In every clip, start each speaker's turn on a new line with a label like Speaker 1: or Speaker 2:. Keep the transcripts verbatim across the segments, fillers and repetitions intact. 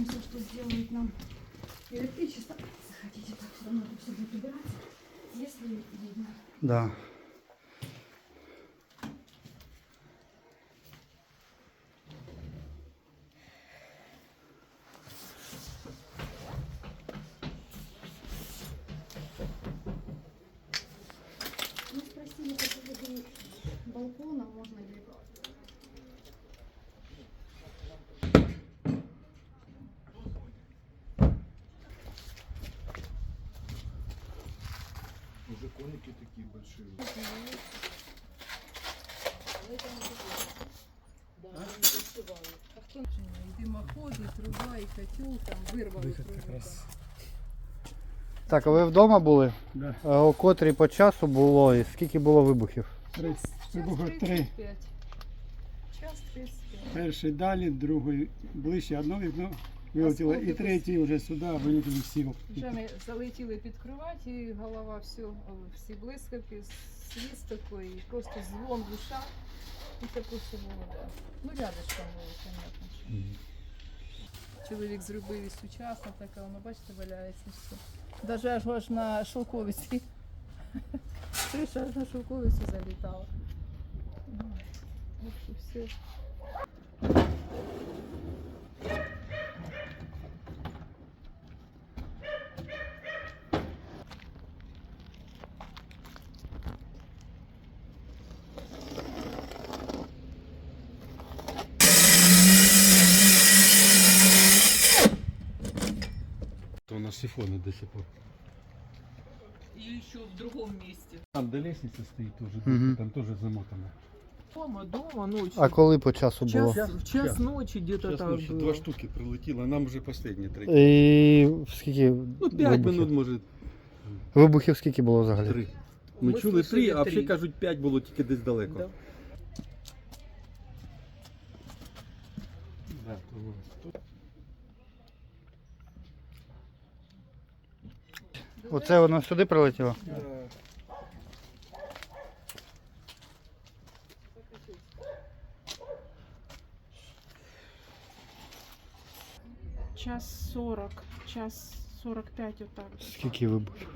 Speaker 1: надеемся, что сделают нам электричество. Захотите, так все равно тут все будет убираться, если видно.
Speaker 2: Да.
Speaker 1: Мы спросили по поводу балкона, можно ли...
Speaker 3: Уже коники такие большие.
Speaker 4: И дымоход, и труба, и котел там вырвали трубу.
Speaker 2: Так, а ви вдома були?
Speaker 5: Да.
Speaker 2: А о котрій по часу було і скільки було вибухів?
Speaker 5: Три. Вибухи три.
Speaker 4: тридцять п'ять. Час тридцять п'ять.
Speaker 5: Перший далі, другий ближче, одно вікно вилетіло, і третій вже сюди вилетіли всі.
Speaker 4: Вже ми залетіли під кровать, і голова все, всі блискавки, свіст такий, і просто дзвон в ушах. І таке все було. Да. Ну, рядочком було, понятно. Що. Чоловік зробив і сучасно, таке, воно, бачите, валяється все. Даже аж, аж на шовковиці. Криша аж на шовковицю залітала. Ой, в общем, все.
Speaker 3: То у нас сифоны до сих пор.
Speaker 4: И еще в другом месте.
Speaker 3: Там до лестницы стоит тоже,
Speaker 2: Мгм.
Speaker 3: там тоже замотано.
Speaker 4: Дома, дома, ночью.
Speaker 2: А коли по часу було?
Speaker 4: час, в час
Speaker 3: час.
Speaker 4: ночи где-то
Speaker 3: Сейчас
Speaker 4: так
Speaker 3: ночью
Speaker 4: было.
Speaker 3: два штуки прилетело, а нам уже последние три.
Speaker 2: І скільки
Speaker 3: Ну, пять
Speaker 2: вибухів?
Speaker 3: минут, может,
Speaker 2: Вибухів скільки було взагалі?
Speaker 3: три. Ми
Speaker 4: Ми
Speaker 3: чули
Speaker 4: слышали
Speaker 3: три, а
Speaker 4: три.
Speaker 3: всі кажуть п'ять було тільки десь далеко.
Speaker 4: Да.
Speaker 3: Да, то було.
Speaker 2: Оце воно сюди прилетіло?
Speaker 1: Час сорок, час сорок п'ять отак.
Speaker 2: Скільки вибухів?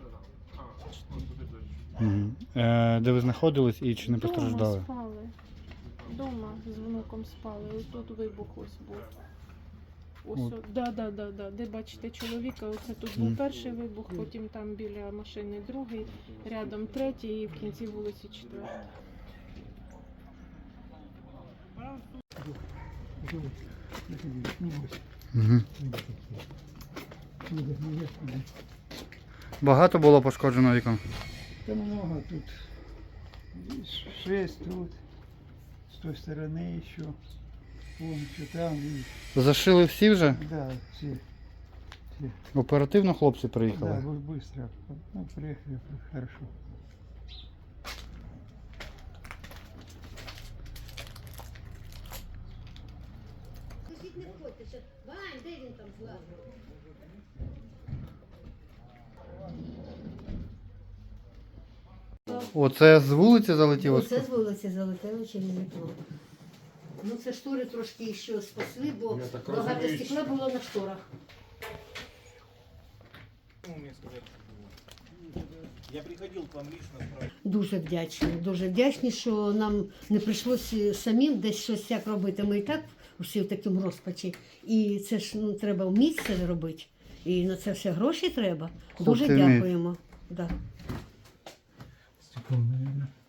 Speaker 2: Угу. Е, де ви знаходились і чи не
Speaker 1: Дома
Speaker 2: постраждали?
Speaker 1: спали. Дома з внуком спали. Ось тут вибух ось був. Ось,
Speaker 2: От.
Speaker 1: о- да, да, да, да. Де бачите чоловіка, оце тут був
Speaker 2: Мгм.
Speaker 1: перший вибух, потім там біля машини другий, рядом третій і в кінці вулиці четвертий.
Speaker 2: Угу. Багато було пошкоджено вікон?
Speaker 5: Та много тут. Шесть тут, с той стороны еще. Вон еще там. И,
Speaker 2: Зашили всі вже?
Speaker 5: да, все.
Speaker 2: Оперативно хлопці
Speaker 5: Да,
Speaker 2: приїхали?
Speaker 5: бы- быстро. Ну, приехали, хорошо.
Speaker 6: Сусід не входьте, ще. Вань, де він там злазив?
Speaker 2: Оце з вулиці залетіло?
Speaker 6: Це з вулиці залетело через вікно. Ну це штори трошки ще спасли, бо
Speaker 3: Я так
Speaker 6: багато
Speaker 3: розумію,
Speaker 6: стекла було на шторах.
Speaker 7: Я приходил к вам лично справді.
Speaker 6: Дуже вдячні, дуже вдячні, що нам не прийшлося самим десь щось як робити. Ми і так всі в такому розпачі. І це ж ну, треба вміти це робити. І на це все гроші треба. Дуже
Speaker 2: Хлопці вміють.
Speaker 6: дякуємо. Да.
Speaker 5: Стеклом, наверное.